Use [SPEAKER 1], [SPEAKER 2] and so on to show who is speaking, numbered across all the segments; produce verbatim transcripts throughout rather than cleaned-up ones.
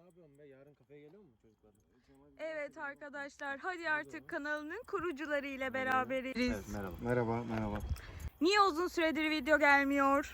[SPEAKER 1] yapıyorsun be? Yarın kafeye geliyor mu çocuklar?
[SPEAKER 2] Evet arkadaşlar, hadi artık kanalının kurucuları ile beraberiz.
[SPEAKER 1] Evet, merhaba.
[SPEAKER 3] Merhaba, merhaba.
[SPEAKER 2] Niye uzun süredir video gelmiyor?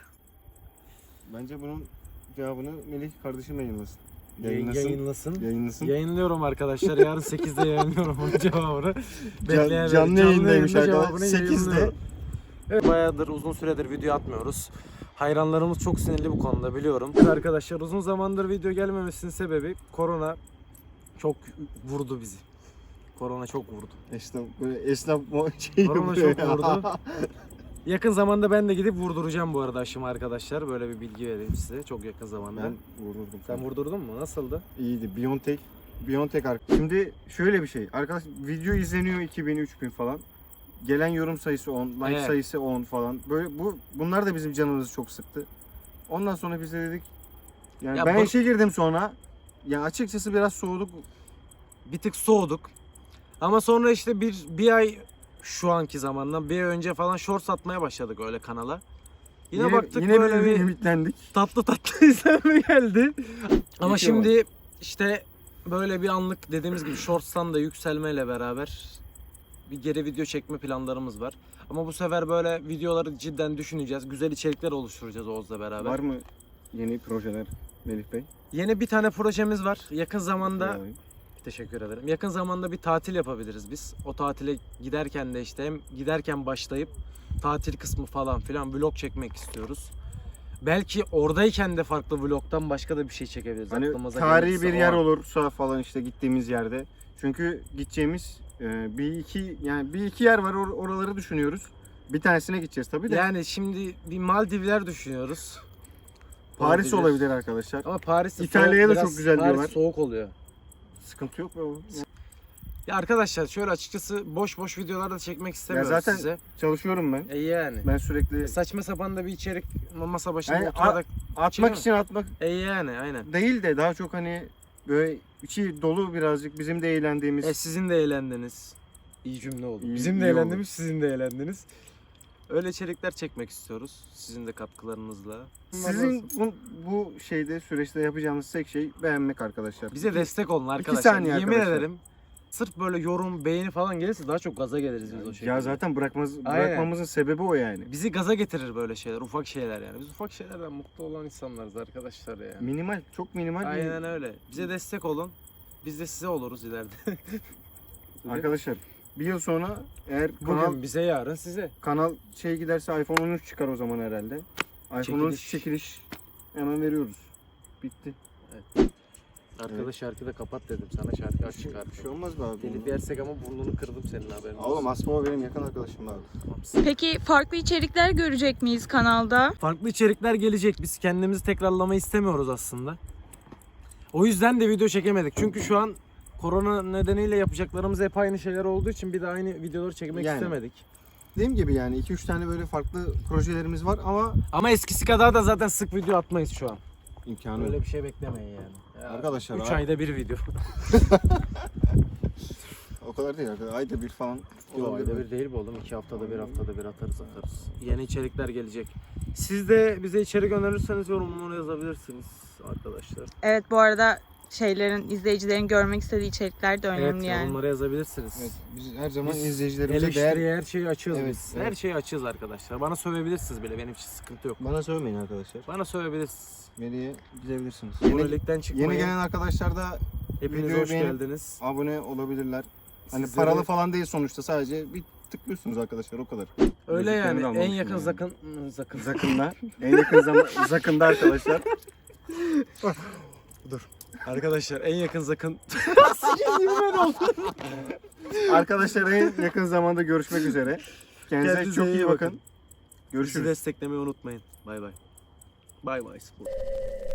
[SPEAKER 3] Bence bunun cevabını Melih kardeşim yayınlasın.
[SPEAKER 1] Yayınlasın. Yayınlasın.
[SPEAKER 3] Yayınlasın.
[SPEAKER 1] Yayınlıyorum arkadaşlar. Yarın sekizde yayınlıyorum onun cevabını. Bekleyen
[SPEAKER 3] canlı yayındaymış
[SPEAKER 1] yayında
[SPEAKER 3] arkadaşlar.
[SPEAKER 1] cevabını
[SPEAKER 3] sekizde.
[SPEAKER 1] yayınlıyorum. Evet, bayağıdır uzun süredir video atmıyoruz. Hayranlarımız çok sinirli bu konuda, biliyorum. Arkadaşlar uzun zamandır video gelmemesinin sebebi korona çok vurdu bizi. Korona çok vurdu.
[SPEAKER 3] Esnaf, böyle esnaf şey
[SPEAKER 1] Korona
[SPEAKER 3] yapıyor
[SPEAKER 1] çok
[SPEAKER 3] ya.
[SPEAKER 1] vurdu. Yakın zamanda ben de gidip vurduracağım bu arada aşımı arkadaşlar. Böyle bir bilgi vereyim size çok yakın zamanda.
[SPEAKER 3] Ben vurdurdum.
[SPEAKER 1] Sen vurdurdun mu? Nasıldı?
[SPEAKER 3] İyiydi. Biontech. Biontech arkadaş. Şimdi şöyle bir şey. Arkadaş video izleniyor iki bin üç bin falan. Gelen yorum sayısı on, like
[SPEAKER 1] Evet.
[SPEAKER 3] sayısı on falan. Böyle bu bunlar da bizim canımızı çok sıktı. Ondan sonra biz de dedik yani
[SPEAKER 1] Ya
[SPEAKER 3] ben
[SPEAKER 1] bu-
[SPEAKER 3] işe girdim sonra. Ya açıkçası biraz soğuduk.
[SPEAKER 1] Bir tık soğuduk. Ama sonra işte bir bir ay şu anki zamandan bir ay önce falan shorts atmaya başladık öyle kanala. Yine, baktık
[SPEAKER 3] yine
[SPEAKER 1] böyle
[SPEAKER 3] bir
[SPEAKER 1] bir
[SPEAKER 3] ümitlendik.
[SPEAKER 1] tatlı tatlı izlenme geldi. Ama
[SPEAKER 3] Video
[SPEAKER 1] şimdi işte böyle bir anlık dediğimiz gibi shorts'tan da yükselmeyle beraber bir geri video çekme planlarımız var. Ama bu sefer böyle videoları cidden düşüneceğiz. Güzel içerikler oluşturacağız Oğuz'la beraber.
[SPEAKER 3] Var mı yeni projeler Melih Bey?
[SPEAKER 1] Yeni bir tane projemiz var. Yakın zamanda
[SPEAKER 3] Yani.
[SPEAKER 1] teşekkür ederim. Yakın zamanda bir tatil yapabiliriz biz. O tatile giderken de işte hem giderken başlayıp tatil kısmı falan filan vlog çekmek istiyoruz. Belki oradayken de farklı vlogtan başka da bir şey çekebiliriz.
[SPEAKER 3] Hani
[SPEAKER 1] Aklımıza
[SPEAKER 3] tarihi
[SPEAKER 1] gelirse
[SPEAKER 3] bir
[SPEAKER 1] o
[SPEAKER 3] yer
[SPEAKER 1] an.
[SPEAKER 3] olursa falan işte gittiğimiz yerde. Çünkü gideceğimiz e, bir iki yani bir iki yer var, or- oraları düşünüyoruz. Bir tanesine gideceğiz tabii de.
[SPEAKER 1] Yani şimdi bir Maldivler düşünüyoruz.
[SPEAKER 3] Paris
[SPEAKER 1] Olabilir.
[SPEAKER 3] olabilir arkadaşlar.
[SPEAKER 1] Ama Paris
[SPEAKER 3] İtalya'ya da
[SPEAKER 1] biraz-
[SPEAKER 3] çok güzel
[SPEAKER 1] Paris
[SPEAKER 3] diyorlar.
[SPEAKER 1] soğuk oluyor.
[SPEAKER 3] Sıkıntı yok be oğlum.
[SPEAKER 1] Ya arkadaşlar şöyle açıkçası boş boş videolar da çekmek istemiyoruz
[SPEAKER 3] zaten-
[SPEAKER 1] size.
[SPEAKER 3] Çalışıyorum ben.
[SPEAKER 1] E yani.
[SPEAKER 3] Ben sürekli
[SPEAKER 1] Saçma sapan da bir içerik masa başında
[SPEAKER 3] Yani
[SPEAKER 1] oturarak.
[SPEAKER 3] atmak
[SPEAKER 1] Çekemem.
[SPEAKER 3] için atmak
[SPEAKER 1] E yani aynen.
[SPEAKER 3] değil de daha çok hani böyle içi dolu birazcık bizim de eğlendiğimiz.
[SPEAKER 1] E sizin de eğlendiniz. İyi cümle oldu.
[SPEAKER 3] İyi-
[SPEAKER 1] Bizim de
[SPEAKER 3] iyi
[SPEAKER 1] eğlendiğimiz, sizin de eğlendiniz. Öyle içerikler çekmek istiyoruz. Sizin de katkılarınızla.
[SPEAKER 3] Sizin bu, bu şeyde süreçte yapacağımız tek şey beğenmek arkadaşlar.
[SPEAKER 1] bize destek olun arkadaşlar.
[SPEAKER 3] saniye
[SPEAKER 1] Yemin
[SPEAKER 3] arkadaşlar.
[SPEAKER 1] ederim. Sırf böyle yorum, beğeni falan gelirse daha çok gaza geliriz biz o şekilde.
[SPEAKER 3] Ya zaten bırakmaz,
[SPEAKER 1] Aynen.
[SPEAKER 3] bırakmamızın sebebi o yani.
[SPEAKER 1] Bizi gaza getirir böyle şeyler, ufak şeyler yani. Biz ufak şeylerden mutlu olan insanlarız arkadaşlar ya.
[SPEAKER 3] Minimal, çok minimal. bir-
[SPEAKER 1] Aynen öyle. Bize destek olun. Biz de size oluruz ileride.
[SPEAKER 3] Arkadaşlar bir yıl sonra eğer
[SPEAKER 1] Bugün
[SPEAKER 3] kanal
[SPEAKER 1] bize, yarın size.
[SPEAKER 3] kanal şey giderse iPhone on üç çıkar o zaman herhalde. iPhone on üç
[SPEAKER 1] Çekiliş.
[SPEAKER 3] çekiliş hemen veriyoruz. Bitti.
[SPEAKER 1] Arkada şarkı da kapat dedim sana, şarkı aç çıkar.
[SPEAKER 3] Bir şey olmaz be abi.
[SPEAKER 1] Telif yersek ama burnunu kırdım senin, haberin olsun.
[SPEAKER 3] Oğlum Asbaba benim yakın arkadaşım abi.
[SPEAKER 2] Peki farklı içerikler görecek miyiz kanalda?
[SPEAKER 1] Farklı içerikler gelecek. Biz kendimizi tekrarlamayı istemiyoruz aslında. O yüzden de video çekemedik. Çünkü şu an korona nedeniyle yapacaklarımız hep aynı şeyler olduğu için bir de aynı videoları çekmek
[SPEAKER 3] Yani.
[SPEAKER 1] istemedik.
[SPEAKER 3] Dediğim gibi yani iki üç tane böyle farklı projelerimiz var ama
[SPEAKER 1] Ama eskisi kadar da zaten sık video atmayız şu an.
[SPEAKER 3] imkanı
[SPEAKER 1] Öyle
[SPEAKER 3] yok.
[SPEAKER 1] bir şey beklemeyin yani. Ya,
[SPEAKER 3] Arkadaşlar,
[SPEAKER 1] üç
[SPEAKER 3] abi-
[SPEAKER 1] ayda bir video.
[SPEAKER 3] O kadar değil arkadaşlar. Ayda bir falan.
[SPEAKER 1] Yok,
[SPEAKER 3] olabilir.
[SPEAKER 1] ayda bir değil bu oğlum. İki haftada bir, haftada bir atarız atarız. Yeni içerikler gelecek. Siz de bize içerik önerirseniz yorumlara yazabilirsiniz arkadaşlar.
[SPEAKER 2] Evet, bu arada şeylerin, izleyicilerin görmek istediği içerikler de önemli
[SPEAKER 1] Evet,
[SPEAKER 2] yani.
[SPEAKER 1] yorumlara yazabilirsiniz.
[SPEAKER 3] Evet, biz her zaman
[SPEAKER 1] Biz
[SPEAKER 3] izleyicilerimize
[SPEAKER 1] Eleştiriye
[SPEAKER 3] değer...
[SPEAKER 1] her şeyi açığız
[SPEAKER 3] Evet,
[SPEAKER 1] biz.
[SPEAKER 3] evet.
[SPEAKER 1] Her şeyi açığız arkadaşlar. Bana sövebilirsiniz bile, benim için sıkıntı yok.
[SPEAKER 3] Bana söylemeyin arkadaşlar.
[SPEAKER 1] Bana sövebilirsiniz.
[SPEAKER 3] Melih'e gidebilirsiniz.
[SPEAKER 1] Yeni,
[SPEAKER 3] Yeni,
[SPEAKER 1] Yenilikten çıkmayın.
[SPEAKER 3] yeni gelen arkadaşlar da
[SPEAKER 1] Hepiniz
[SPEAKER 3] videoyu
[SPEAKER 1] hoş
[SPEAKER 3] beğenip-
[SPEAKER 1] geldiniz.
[SPEAKER 3] abone olabilirler. Hani
[SPEAKER 1] Sizleri-
[SPEAKER 3] paralı falan değil sonuçta, sadece bir tıklıyorsunuz arkadaşlar, o kadar.
[SPEAKER 1] Öyle
[SPEAKER 3] Müziklerini
[SPEAKER 1] yani
[SPEAKER 3] de
[SPEAKER 1] en
[SPEAKER 3] almamışım
[SPEAKER 1] yakın
[SPEAKER 3] yani.
[SPEAKER 1] zakın zakın.
[SPEAKER 3] Zakında. En yakın zaman Zakında arkadaşlar.
[SPEAKER 1] Arkadaşlar en yakın zakın.
[SPEAKER 3] Arkadaşlar en yakın zamanda görüşmek üzere. Kendinize,
[SPEAKER 1] Kendinize
[SPEAKER 3] çok
[SPEAKER 1] iyi
[SPEAKER 3] iyi bakın.
[SPEAKER 1] bakın. Bizi
[SPEAKER 3] Görüşürüz.
[SPEAKER 1] desteklemeyi unutmayın. Bay bay. Bay bay spor.